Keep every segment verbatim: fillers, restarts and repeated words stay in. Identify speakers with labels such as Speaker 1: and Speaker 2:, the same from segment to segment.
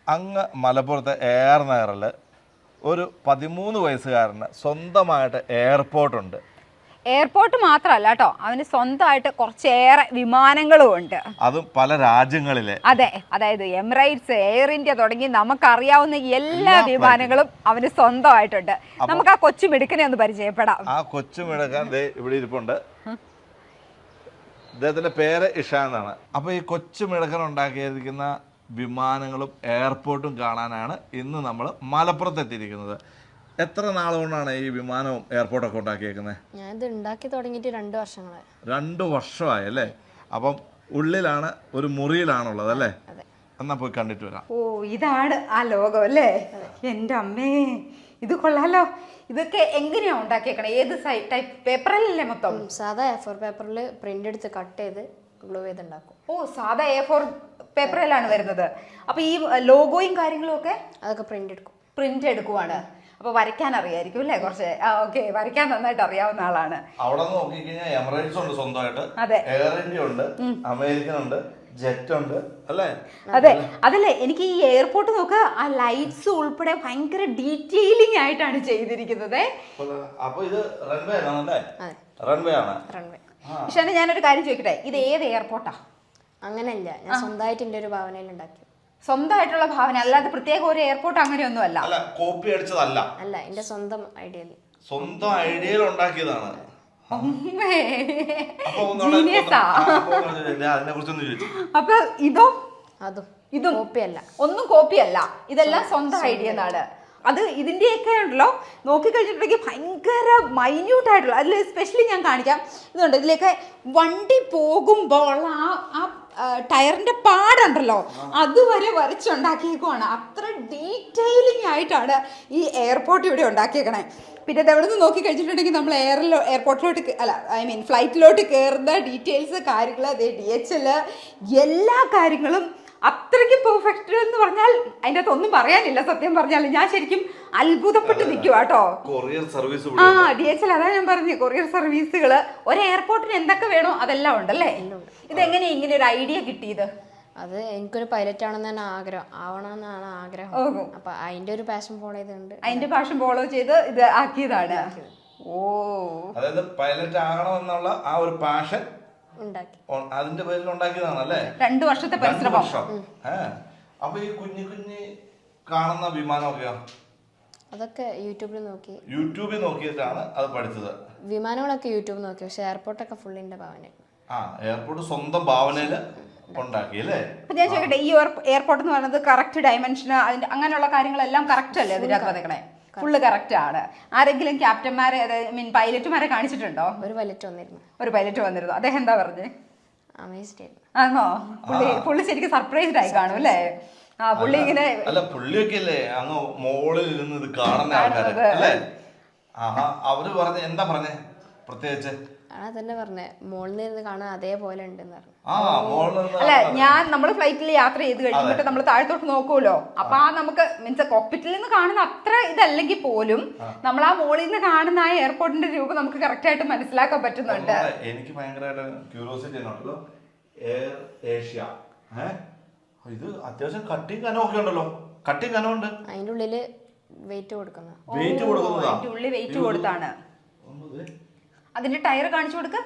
Speaker 1: അങ്ങ് മലപ്പുറത്തെ എയർ നഗറിൽ ഒരു പതിമൂന്ന് വയസ്സുകാരന് സ്വന്തമായിട്ട് എയർപോർട്ടുണ്ട്.
Speaker 2: എയർപോർട്ട് മാത്രമല്ല കേട്ടോ, അവന് സ്വന്തമായിട്ട് കുറച്ചേറെ വിമാനങ്ങളും ഉണ്ട്,
Speaker 1: അതും പല രാജ്യങ്ങളിലെ.
Speaker 2: അതെ, അതായത് എമിറേറ്റ്സ്, എയർ ഇന്ത്യ തുടങ്ങി നമുക്കറിയാവുന്ന എല്ലാ വിമാനങ്ങളും അവന് സ്വന്തമായിട്ടുണ്ട്. നമുക്ക് ആ കൊച്ചു മിടുക്കനെ ഒന്ന് പരിചയപ്പെടാം.
Speaker 1: ആ കൊച്ചു മിടുക്കൻ ഇവിടെ ഇരിപ്പുണ്ട്. അദ്ദേഹത്തിന്റെ പേര് ഇഷാൻ എന്നാണ്. അപ്പൊ ഈ കൊച്ചു മിടുക്കൻ ഉണ്ടാക്കിയിരിക്കുന്ന വിമാനങ്ങളും എയർപോർട്ടും കാണാനാണ് ഇന്ന് നമ്മൾ മലപ്പുറത്ത് എത്തിയിരിക്കുന്നത്. എത്ര നാളുകൊണ്ടാണ് ഈ വിമാനവും എയർപോർട്ടൊക്കെ ഉണ്ടാക്കിയേക്കുന്നത്?
Speaker 3: ഞാൻ ഇത് ഉണ്ടാക്കി തുടങ്ങിയിട്ട് രണ്ട് വർഷങ്ങളായി.
Speaker 1: രണ്ട് വർഷമായി അല്ലേ? അപ്പം ഉള്ളിലാണ്, ഒരു മുറിയിലാണുള്ളത് അല്ലേ? എന്നാ പോയി കണ്ടിട്ട് വരാം.
Speaker 2: ഓ, ഇതാണ് ആ ലോകം അല്ലേ? എൻ്റെ അമ്മേ, ഇത് കൊള്ളാലോ. ഇതൊക്കെ എങ്ങനെയാ ഉണ്ടാക്കിയേക്കണേ? ഏത് ടൈപ്പ് പേപ്പറിലല്ലേ? മൊത്തം
Speaker 3: സാധാ എ ഫോർ പേപ്പറിൽ പ്രിന്റ് എടുത്ത് കട്ട് ചെയ്ത് ഗ്ലൂ ചെയ്ത് ഉണ്ടാക്കും.
Speaker 2: ഓ, സാധാ എ ഫോർ പേപ്പറിലാണ് വരുന്നത്. അപ്പൊ ഈ ലോഗോയും കാര്യങ്ങളും ഒക്കെ
Speaker 3: അതൊക്കെ പ്രിന്റ് എടുക്കും.
Speaker 2: പ്രിന്റ് എടുക്കുവാണ്. അപ്പൊ വരയ്ക്കാൻ അറിയായിരിക്കും അല്ലേ? കുറച്ച് ഓക്കെ, വരയ്ക്കാൻ നന്നായിട്ട് അറിയാവുന്ന ആളാണ്.
Speaker 1: അവിടെ നോക്കിക്കഴിഞ്ഞാൽ എമിറേറ്റ്സ് ഉണ്ട് സ്വന്തമായിട്ട്,
Speaker 2: അതെ,
Speaker 1: എയർ ഇന്ത്യ ഉണ്ട്, അമേരിക്കൻ ഉണ്ട്, ജെറ്റ് ഉണ്ട് അല്ലേ?
Speaker 2: അതെ, അതല്ലേ എനിക്ക് ഈ എയർപോർട്ട് നോക്കുക, ആ ലൈറ്റ്സ് ഉൾപ്പെടെ ഭയങ്കര ഡീറ്റെയിലിംഗ് ആയിട്ടാണ് ചെയ്തിരിക്കുന്നത്.
Speaker 1: അപ്പൊ ഇത് റൺവേ ആണല്ലേ? റൺവേ ആണ്.
Speaker 3: റൺവേ.
Speaker 2: പക്ഷേ ഞാനൊരു കാര്യം ചോദിക്കട്ടെ, ഇത് ഏത് എയർപോർട്ടാ?
Speaker 3: അങ്ങനെയല്ല, ഞാൻ സ്വന്തമായിട്ട് എൻ്റെ ഒരു ഭാവനയിൽ ഉണ്ടാക്കി.
Speaker 2: സ്വന്തമായിട്ടുള്ള ഭാവന, അല്ലാതെ പ്രത്യേക ഒരു എയർപോർട്ട് അങ്ങനെയൊന്നും അല്ല.
Speaker 1: അല്ല, കോപ്പി അടിച്ചതല്ല.
Speaker 3: അല്ല, എൻ്റെ സ്വന്തം ഐഡിയയിൽ.
Speaker 1: സ്വന്തം ഐഡിയയിൽ ഉണ്ടാക്കിയതാണ്.
Speaker 2: അപ്പൊ ഇതോ?
Speaker 3: അതും
Speaker 2: ഇതും
Speaker 3: കോപ്പിയല്ല,
Speaker 2: ഒന്നും കോപ്പിയല്ല, ഇതെല്ലാം സ്വന്തം ഐഡിയ എന്നാണ്. അത് ഇതിൻ്റെയൊക്കെ ഉണ്ടല്ലോ, നോക്കിക്കഴിഞ്ഞിട്ടുണ്ടെങ്കിൽ ഭയങ്കര മൈന്യൂട്ട് ആയിട്ടുള്ള, അതിൽ സ്പെഷ്യലി ഞാൻ കാണിക്കാം. ഇതുണ്ട്, ഇതിലേക്ക് വണ്ടി പോകുമ്പോൾ ആ ആ ടയറിന്റെ പാടുണ്ടല്ലോ, അതുവരെ വരച്ചുണ്ടാക്കിയേക്കുവാണ്. അത്ര ഡീറ്റെയിലിംഗ് ആയിട്ടാണ് ഈ എയർപോർട്ട് ഇവിടെ ഉണ്ടാക്കിയേക്കണേ. പിന്നെ ഇത് എവിടെ നിന്ന് നോക്കി കഴിച്ചിട്ടുണ്ടെങ്കിൽ നമ്മൾ എയറിലോ എയർപോർട്ടിലോട്ട് അല്ല ഐ മീൻ ഫ്ലൈറ്റിലോട്ട് കയറുന്ന ഡീറ്റെയിൽസ്, കാര്യങ്ങൾ, അതേ ഡി എച്ച് എൽ, എല്ലാ കാര്യങ്ങളും അത്രയ്ക്ക് പെർഫെക്റ്റ് എന്ന് പറഞ്ഞാൽ അതിൻ്റെ അകത്ത് ഒന്നും പറയാനില്ല. സത്യം പറഞ്ഞാൽ ഞാൻ ശരിക്കും അത്ഭുതപ്പെട്ട് നിൽക്കുക കേട്ടോ.
Speaker 1: കൊറിയർ സർവീസ്,
Speaker 2: ആ ഡി എച്ച് എൽ, അതാ ഞാൻ പറഞ്ഞു, കൊറിയർ സർവീസുകൾ. ഒരു എയർപോർട്ടിന് എന്തൊക്കെ വേണോ അതെല്ലാം ഉണ്ടല്ലേ? ഇതെങ്ങനെയാ ഇങ്ങനെ ഒരു ഐഡിയ കിട്ടിയത്?
Speaker 3: അത് എനിക്കൊരു പൈലറ്റ് ആണെന്നാണ് ആഗ്രഹം, ആവണമെന്നാണ് ആഗ്രഹം. അപ്പൊ അതിന്റെ ഒരു പാഷൻ ഫോളോ ചെയ്തുകൊണ്ട്
Speaker 2: അതിന്റെ പാഷൻ ഫോളോ ചെയ്ത് ഇത് ആക്കിയതാണ്. ഓ,
Speaker 1: അതായത് പൈലറ്റ് ആകണമെന്നുള്ള ആ ഒരു പാഷൻ
Speaker 3: ഉണ്ടാക്കി,
Speaker 1: അതിന്റെ പേരിൽ ഉണ്ടാക്കിയതാണല്ലേ?
Speaker 2: രണ്ടു വർഷത്തെ പരിശ്രമം.
Speaker 1: അപ്പൊ ഈ കുഞ്ഞു കുഞ്ഞി കാണുന്ന വിമാനമൊക്കെയോ?
Speaker 3: അതൊക്കെ യൂട്യൂബിൽ നോക്കി.
Speaker 1: യൂട്യൂബിൽ നോക്കിയിട്ടാണ് അത് പഠിച്ചത്?
Speaker 3: വിമാനങ്ങളൊക്കെ യൂട്യൂബിൽ നോക്കി, പക്ഷെ എയർപോർട്ടൊക്കെ ഫുള്ളിന്റെ ഭാവന.
Speaker 1: ആ, എയർപോർട്ട് സ്വന്തം ഭാവനയില് ഉണ്ടാക്കി അല്ലേ?
Speaker 2: അപ്പൊ ഞാൻ ചോദിക്കട്ടെ, ഈ എയർപോർട്ട് എന്ന് പറയുന്നത് കറക്റ്റ് ഡയമെൻഷന്, അതിന്റെ അങ്ങനെയുള്ള കാര്യങ്ങളെല്ലാം കറക്റ്റ് അല്ലേ അതിന്റെ അകത്ത് വന്നേക്കണേ? ഫുള്ള് കറക്റ്റ് ആണ്. ആരെങ്കിലും ക്യാപ്റ്റന്മാരെ, അതായത് മീൻ പൈലറ്റുമാരെ കാണിച്ചിട്ടുണ്ടോ?
Speaker 3: ഒരു പൈലറ്റ് വന്നിരുന്നു.
Speaker 2: ഒരു പൈലറ്റ് വന്നിരുന്നു. അദ്ദേഹം എന്താ പറഞ്ഞേ?
Speaker 3: അമേസ്ഡ് ആയിരുന്നു.
Speaker 2: ആണോ? പുള്ളി പുള്ളി ശരിക്കും സർപ്രൈസ്ഡ് ആയി കാണും അല്ലേ? ആ, പുള്ളി ഇങ്ങനെ
Speaker 1: അല്ല, പുള്ളിയൊക്കെ അല്ലേ അങ്ങ് മോളിൽ ഇരുന്ന് ഇത് കാണുന്ന ആൾക്കാര് അല്ലേ? ആഹാ, അവര് പറഞ്ഞ എന്താ പറഞ്ഞേ പ്രത്യേകിച്ച്?
Speaker 3: ആ തന്നെ പറഞ്ഞേ, മോളിൽ നിന്ന് കാണാൻ അതേപോലെ ഉണ്ടെന്ന് പറഞ്ഞു.
Speaker 2: അല്ല, ഞാൻ നമ്മൾ ഫ്ലൈറ്റിൽ യാത്ര ചെയ്ത് കഴിഞ്ഞിട്ട് നമ്മൾ താഴത്തോട്ട് നോക്കുമല്ലോ, അപ്പൊ ആ നമുക്ക് മീൻസ് കോക്പിറ്റിൽ നിന്ന് കാണുന്ന അത്ര ഇതല്ലെങ്കിൽ പോലും നമ്മൾ ആ മോളിൽ നിന്ന് കാണുന്ന ആ എയർപോർട്ടിന്റെ രൂപം നമുക്ക് കറക്റ്റ് ആയിട്ട് മനസ്സിലാക്കാൻ പറ്റുന്നുണ്ട്.
Speaker 1: എനിക്ക് ഭയങ്കരമായിട്ട് ക്യൂരിയോസിറ്റി ഉണ്ടല്ലോ. എയർ ഏഷ്യ, ഇത് അത്യാവശ്യം കട്ടിങ് കനമൊക്കെ ഉണ്ടല്ലോ. കട്ടിങ് കനമുണ്ട്.
Speaker 3: അതിന്റെ ഉള്ളില് വെയിറ്റ് കൊടുക്കുന്ന
Speaker 1: വെയിറ്റ് കൊടുക്കുന്നതാ.
Speaker 2: അതിന്റെ ഉള്ളിൽ വെയിറ്റ് കൊടുത്താണ്. അതിന്റെ ടയർ കാണിച്ചു കൊടുക്ക.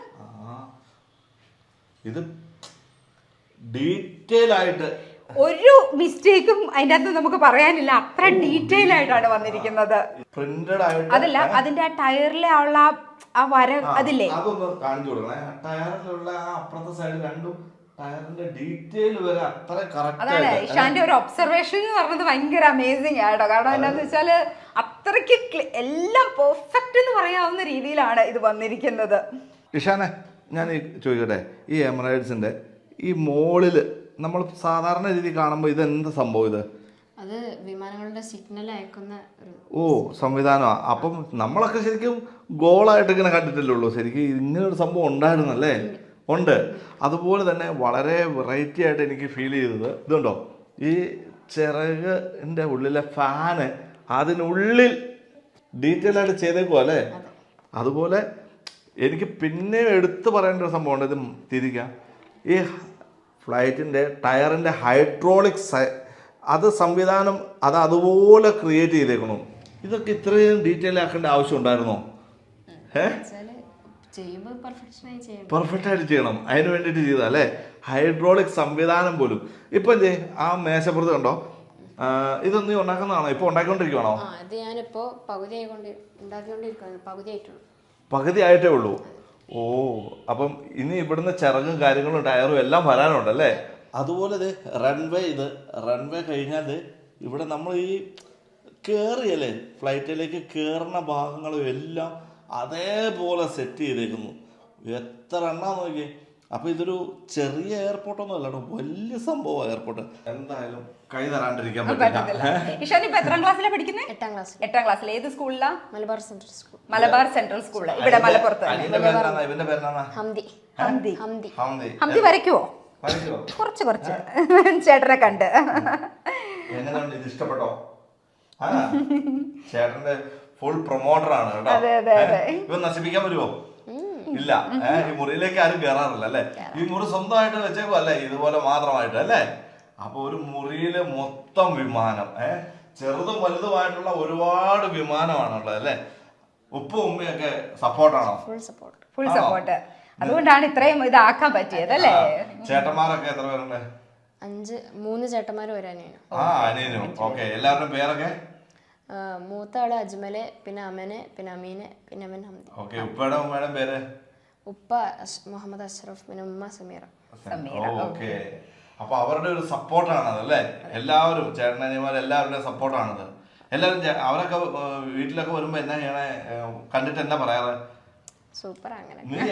Speaker 1: ഇത് ഡീറ്റെയിൽ ആയിട്ട്
Speaker 2: ഒരു മിസ്റ്റേക്കും അതിന്റെ അകത്ത് നമുക്ക് പറയാനില്ല, അത്ര ഡീറ്റെയിൽ ആയിട്ടാണ് വന്നിരിക്കുന്നത്.
Speaker 1: പ്രിന്റഡ് ആയിട്ട്
Speaker 2: അതല്ല, അതിന്റെ ആ ടയറിലെ ഉള്ള ആ വര അതില്ലേ,
Speaker 1: അതൊന്ന് കാണിച്ചു കൊടുക്കണേ. ടയറിലുള്ള ആ അപ്പുറത്തെ സൈഡ് രണ്ടും ടയറിന്റെ ഡീറ്റെയിൽ വരെ അത്ര കറക്റ്റ്.
Speaker 2: അതാണ് ഇഷാന്റെ ഒരു ഒബ്സർവേഷൻ എന്ന് പറഞ്ഞത്. ഭയങ്കര അമേസിംഗ് ആയിട്ടോ. കാരണം എന്താന്ന് വെച്ചാല് അത്രയ്ക്ക് എല്ലാം പെർഫെക്റ്റ് എന്ന് പറയാവുന്ന രീതിയിലാണ് ഇത് വന്നിരിക്കുന്നത്.
Speaker 1: ഇഷാനെ, ഞാൻ ചോദിക്കട്ടെ, ഈ എമിറേറ്റ്സിന്റെ ഈ മോളില് നമ്മൾ സാധാരണ രീതി കാണുമ്പോൾ ഇത് എന്താ സംഭവം? ഇത്
Speaker 3: അത് വിമാനങ്ങളുടെ സിഗ്നൽ അയക്കുന്ന
Speaker 1: ഓ സംവിധാനമാണ്. അപ്പം നമ്മളൊക്കെ ശരിക്കും ഗോളായിട്ട് ഇങ്ങനെ കണ്ടിട്ടല്ലേ ഉള്ളൂ. ശരിക്കും ഇങ്ങനൊരു സംഭവം ഉണ്ടായിരുന്നല്ലേ? ഉണ്ട്. അതുപോലെ തന്നെ വളരെ വെറൈറ്റി ആയിട്ട് എനിക്ക് ഫീൽ ചെയ്തത് ഇതുണ്ടോ, ഈ ചിറകിൻ്റെ ഉള്ളിലെ ഫാന് അതിനുള്ളിൽ ഡീറ്റെയിൽ ആയിട്ട് ചെയ്തേക്കുവാ അല്ലേ? അതുപോലെ എനിക്ക് പിന്നെ എടുത്തു പറയേണ്ട ഒരു സംഭവമുണ്ട്. ഇത് തിരിക്കാം, ഈ ഫ്ലൈറ്റിൻ്റെ ടയറിൻ്റെ ഹൈഡ്രോളിക് അത് സംവിധാനം അത് അതുപോലെ ക്രിയേറ്റ് ചെയ്തേക്കണു. ഇതൊക്കെ ഇത്രയും ഡീറ്റെയിൽ ആക്കേണ്ട ആവശ്യം ഉണ്ടായിരുന്നോ? ഏഹ്
Speaker 3: ചെയ്യുമ്പോൾ പെർഫെക്ഷനായി ചെയ്യണം.
Speaker 1: പെർഫെക്റ്റ് ആയിട്ട് ചെയ്യണം. അതിന് വേണ്ടിയിട്ട് ചെയ്താൽ അല്ലേ? ഹൈഡ്രോളിക് സംവിധാനം പോലും. ഇപ്പം എന്തേ ആ മേശപ്പുറത്ത് കണ്ടോ, ഇതൊന്നും നീ ഉണ്ടാക്കുന്നതാണോ? ഇപ്പോൾ ഉണ്ടാക്കിക്കൊണ്ടിരിക്കുവാണോ?
Speaker 3: ആ ഇത് ഞാനിപ്പോൾ പകുതി ആയിക്കൊണ്ട് ഉണ്ടാക്കിക്കൊണ്ടിരിക്കുകയാണ്. പകുതി ആയിട്ടുള്ളൂ.
Speaker 1: പകുതി ആയിട്ടേ ഉള്ളൂ. ഓ, അപ്പം ഇനി ഇവിടുന്ന് ചിറകും കാര്യങ്ങളും ടയറും എല്ലാം വരാനുണ്ടല്ലേ? അതുപോലെ ഇത് റൺവേ, ഇത് റൺവേ കഴിഞ്ഞാൽ ഇവിടെ നമ്മൾ ഈ കയറിയല്ലേ ഫ്ലൈറ്റിലേക്ക് കയറുന്ന ഭാഗങ്ങളും എല്ലാം അതേപോലെ സെറ്റ് ചെയ്തേക്കുന്നു. എത്ര എണ്ണ നോക്കി. അപ്പൊ ഇതൊരു ചെറിയ എയർപോർട്ടൊന്നും അല്ലാട്ടോ, വലിയ സംഭവം എയർപോർട്ട്. എന്തായാലും കൈ തരാണ്ടിരിക്കാൻ പറ്റില്ല.
Speaker 2: ഇഷാൻ ഇപ്പൊ എത്രാം ക്ലാസ്സിലാണ് പഠിക്കുന്നത്?
Speaker 3: എട്ടാം ക്ലാസ്.
Speaker 2: എട്ടാം ക്ലാസ്സിൽ. ഏത് സ്കൂളിലാ?
Speaker 3: Malabar central school.
Speaker 2: Malabar central school ഇവിടെ മലപ്പുറത്ത്.
Speaker 1: ഇവന്റെ പേരെന്നാ?
Speaker 3: ഹംദി.
Speaker 2: ഹംദി.
Speaker 3: ഹംദി.
Speaker 2: ഹംദി വരയ്ക്കുവോ? കുറച്ച് കുറച്ച് ചേട്ടനെ കണ്ട്.
Speaker 1: എങ്ങനെയുണ്ട്? ഇത് ഇഷ്ടപ്പെട്ടോ? ആ ചേട്ടന്റെ ഫുൾ പ്രൊമോട്ടർ ആണ് കേട്ടോ. ഇവൻ നശിപ്പിക്കാൻ വരുമോ? ഇല്ല. ഏഹ് ഈ മുറിയിലേക്ക് ആരും കയറാറില്ല അല്ലേ? ഈ മുറി സ്വന്തമായിട്ട് വെച്ചേക്കോ അല്ലേ? ഇതുപോലെ മാത്രമായിട്ട് അല്ലേ? അപ്പൊ ഒരു മുറിയില് മൊത്തം വിമാനം, ഏഹ് ചെറുതും വലുതുമായിട്ടുള്ള ഒരുപാട് വിമാനമാണുള്ളത് അല്ലേ? ഉപ്പും ഉമ്മയൊക്കെ സപ്പോർട്ടാണോ?
Speaker 3: Full support.
Speaker 2: Full support. അതുകൊണ്ടാണ് ഇത്രയും ഇതാക്കാൻ പറ്റിയത് അല്ലേ?
Speaker 1: ചേട്ടന്മാരൊക്കെ എത്ര പേരുണ്ട്?
Speaker 3: അഞ്ച്. മൂന്ന് ചേട്ടന്മാരും ഒരു അനിയനും.
Speaker 1: ആ അനിയനും. ഓക്കെ. എല്ലാവരുടെയും പേരൊക്കെ?
Speaker 3: മൂത്ത ആള് അജ്മല്, പിന്നെ അമന്, പിന്നെ അമീന്, പിന്നെ അമൻ ഹംദി.
Speaker 1: ഓക്കെ. ഉപ്പയുടെ ഉമ്മയുടെ പേര്?
Speaker 3: ഉപ്പ മുഹമ്മദ് അഷ്റഫ്, പിന്നെ ഉമ്മ സമീറ.
Speaker 1: ഓക്കെ. അപ്പൊ അവരുടെ ഒരു സപ്പോർട്ടാണത് അല്ലേ? എല്ലാവരും ചേട്ടനനിയന്മാർ എല്ലാവരുടെയും സപ്പോർട്ടാണത്. എല്ലാവരും അവരൊക്കെ വീട്ടിലൊക്കെ വരുമ്പോ എന്നാ ചെയ്യണേ? കണ്ടിട്ട് എന്നാ പറയാറ്?
Speaker 3: സൂപ്പർ. അങ്ങനെ
Speaker 1: നീ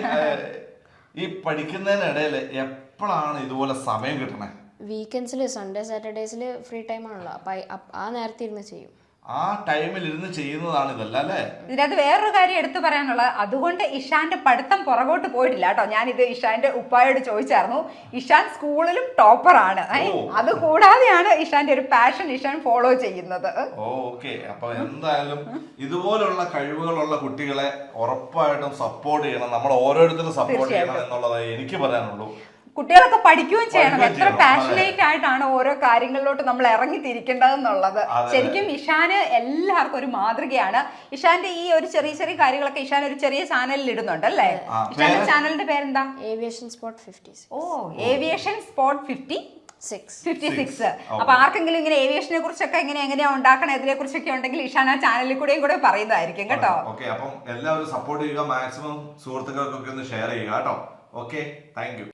Speaker 1: ഈ പഠിക്കുന്നതിനിടയിൽ എപ്പോഴാണ് ഇതുപോലെ സമയം കിട്ടണേ?
Speaker 3: വീക്കെൻഡ്സിൽ, സൺഡേ സാറ്റർഡേസിൽ ഫ്രീ ടൈം ആണല്ലോ, അപ്പൊ ആ നേരത്തെ ഇരുന്ന് ചെയ്യും.
Speaker 1: ആ ടൈമിൽ ഇരുന്ന് ചെയ്യുന്നതാണ് ഇതല്ല അല്ലേ?
Speaker 2: ഇതിനകത്ത് വേറൊരു കാര്യം എടുത്തു പറയാനുള്ളത്, അതുകൊണ്ട് ഇഷാന്റെ പഠിത്തം പുറകോട്ട് പോയിട്ടില്ല കേട്ടോ. ഞാനിത് ഇഷാന്റെ ഉപ്പായോട് ചോദിച്ചായിരുന്നു. ഇഷാൻ സ്കൂളിലും ടോപ്പറാണ്. അത് കൂടാതെയാണ് ഇഷാന്റെ ഒരു പാഷൻ ഇഷാൻ ഫോളോ ചെയ്യുന്നത്.
Speaker 1: ഓക്കെ. അപ്പൊ എന്തായാലും ഇതുപോലുള്ള കഴിവുകളുള്ള കുട്ടികളെ ഉറപ്പായിട്ടും സപ്പോർട്ട് ചെയ്യണം. നമ്മൾ ഓരോരുത്തരും സപ്പോർട്ട് ചെയ്യണം എന്നുള്ളതേ എനിക്ക് പറയാനുള്ളൂ.
Speaker 2: കുട്ടികളൊക്കെ പഠിക്കുകയും ചെയ്യണം. എത്ര പാഷനേറ്റ് ആയിട്ടാണ് ഓരോ കാര്യങ്ങളിലോട്ട് നമ്മൾ ഇറങ്ങി തിരിക്കേണ്ടതെന്നുള്ളത്. ശരിക്കും ഇഷാന് എല്ലാവർക്കും ഒരു മാതൃകയാണ്. ഇഷാന്റെ ഈ ഒരു ചെറിയ ചെറിയ കാര്യങ്ങളൊക്കെ ഇഷാൻ ഒരു ചെറിയ ചാനലിൽ ഇടുന്നുണ്ട് അല്ലേ? ഇഷാന്റെ ചാനലിന്റെ പേരെന്താ?
Speaker 3: Aviation spot fifty.
Speaker 2: ഓ, aviation spot fifty
Speaker 3: six.
Speaker 2: Fifty six. അപ്പൊ ആർക്കെങ്കിലും ഇങ്ങനെ ഏവിയേഷനെ കുറിച്ചൊക്കെ എങ്ങനെ എങ്ങനെയാ ഉണ്ടാക്കണം ഇതിനെ കുറിച്ചൊക്കെ ഉണ്ടെങ്കിൽ ഇഷാൻ ആ ചാനലിൽ കൂടെയും കൂടെ പറയുന്നതായിരിക്കും കേട്ടോ.
Speaker 1: ഓക്കെ. അപ്പം എല്ലാവരും സപ്പോർട്ട് ചെയ്യുക. മാക്സിമം സുഹൃത്തുക്കൾക്കൊക്കെ ഒന്ന് ഷെയർ ചെയ്യുക കേട്ടോ. ഓക്കെ. Thank U.